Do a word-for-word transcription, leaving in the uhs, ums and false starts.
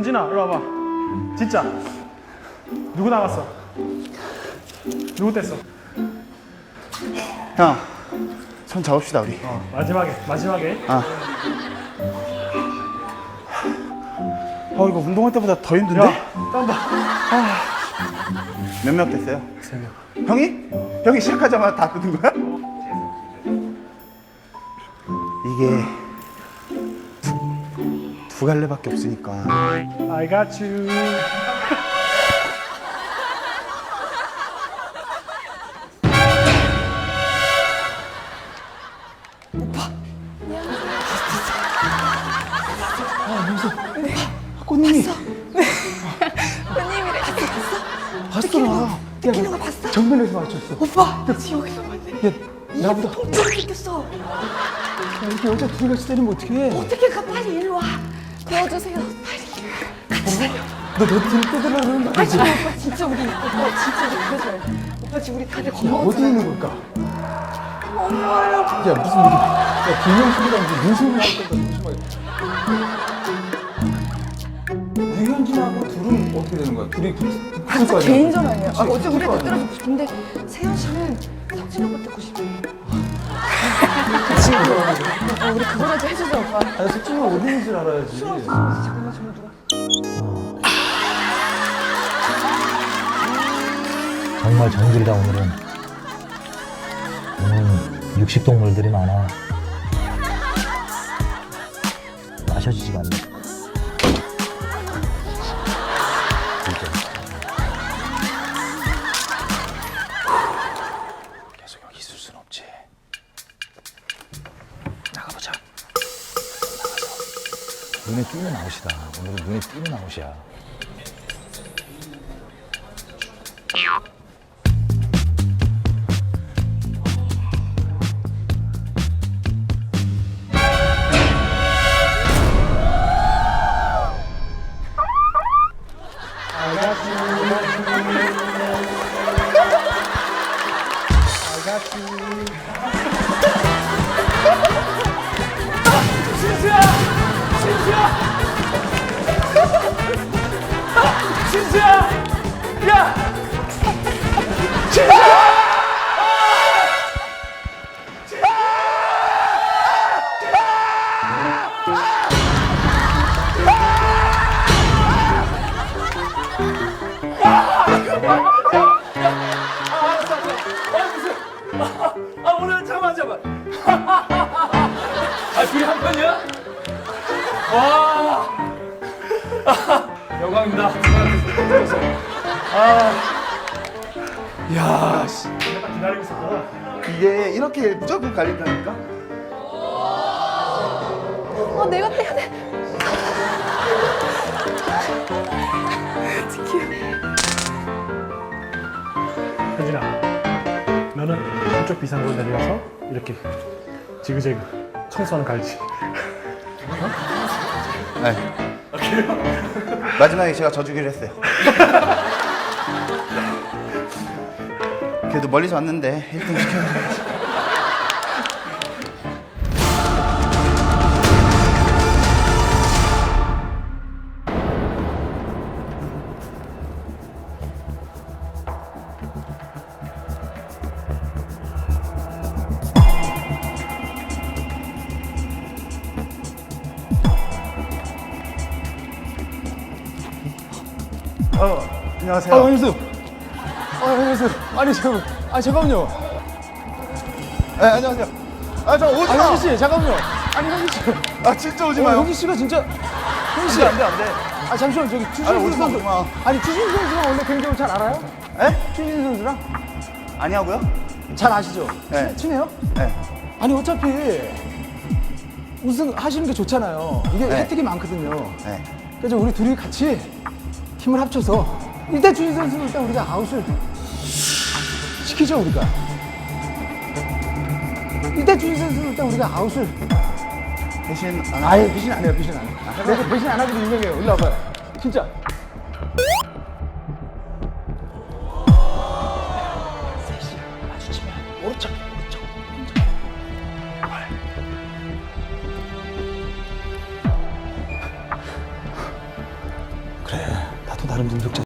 현진아, 이리 와봐. 진짜. 누구 나갔어? 누구 뗐어? 형, 손 잡읍시다 우리. 어, 마지막에, 마지막에. 아. 어 이거 운동할 때보다 더 힘든데? 야, 땀 봐. 몇 명 됐어요? 세 명. 형이? 형이 시작하자마자 다 뜯은 거야? 이게 두, 두 갈래밖에 없으니까. I got you. 꽃님이 손님이래. 봤어. 느끼는 거 봤어? 정면에서 맞췄어. 오빠, 지옥에서 봤네. 야, 나보다 통증을 느꼈어. 야, 이렇게 여자 둘이 같이 때리면 어떡해? 어떻게 가? 빨리 일로 와. 도와주세요. 빨리. 너 내 뒤를 뜯으려고 그러는 거 아니지? 아, 오빠 진짜 우리 오빠 진짜 우리 그러줘야 돼. 오빠 지금 우리 다들 야, 겁먹었잖아. 어디 있는 걸까? 엄마야. 야, 무슨 이게, 야, 김영식이랑 무슨 눈소리 나올 거다, 조심하게. 유현진하고 둘은 어떻게 되는 거야? 둘이 붙을 아, 진짜 거 아니야? 개인전 아니야. 아, 그치, 어째 우리 붙을 거 다 아니야? 떨어지고 싶은데 세현 씨는 석진 오빠 듣고 싶어. 지금 어, 우리 그거라도 해주자 오빠. 아니, 석진이 어디 있는 줄 알아야지. 잠깐만 잠깐만 누가. 정말 정글이다 오늘은. 오늘 육식동물들이 많아. 마셔지지가 않네. 계속 여기 있을 순 없지. 나가보자. 나가서. 눈에 띄는 아웃이다. 오늘은 눈에 띄는 아웃이야. 진수야! 진수야! 진수야! 야! 아, 오늘 잠깐만, 잠깐만. 아, 둘이 한 편이야? 와. 아, 영광입니다. 아. 야, 씨. 내가 기다리고 있었구나. 이게 이렇게 무조건 갈린다니까? 어, 내가 빼야 돼. 현진아, 너는 한쪽 비상구로 내려와서 이렇게 지그재그 청소하는 갈지. 네. 마지막에 제가 져주기로 했어요. 그래도 멀리서 왔는데 일 등 시켜야지. 어, 안녕하세요. 아, 안녕하세요. 아, 안녕하세요. 아니, 잠깐만. 아, 잠깐만요. 네, 안녕하세요. 아, 저 오지 아, 마. 현지 씨, 잠깐만요. 아니, 현지 씨. 아, 진짜 오지 어, 마요. 현지 씨가 진짜. 현지 씨. 안 돼, 안 돼. 아, 잠시만, 저기 아니, 추신수 오지 마, 선수. 오지 마. 아니, 추신수 선수랑 원래 개인적으로 잘 알아요? 에? 추신수 선수랑? 아니하고요? 잘 아시죠? 네. 친- 친해요? 네. 아니, 어차피 우승 하시는 게 좋잖아요. 이게 네. 혜택이 많거든요. 네. 그래서 우리 둘이 같이 힘을 합쳐서 일단 추신수 선수는 일단 우리가 아웃을 시키죠, 우리가. 일단 추신수 선수는 일단 우리가 아웃을. 대신 안 하고. 아예 배신 안 해요, 배신 안 해요. 내가 배신 안 하기로 유명해요. 일로 와봐요. 진짜. 오른쪽, 오른쪽. 그래, 나도 나름 능력자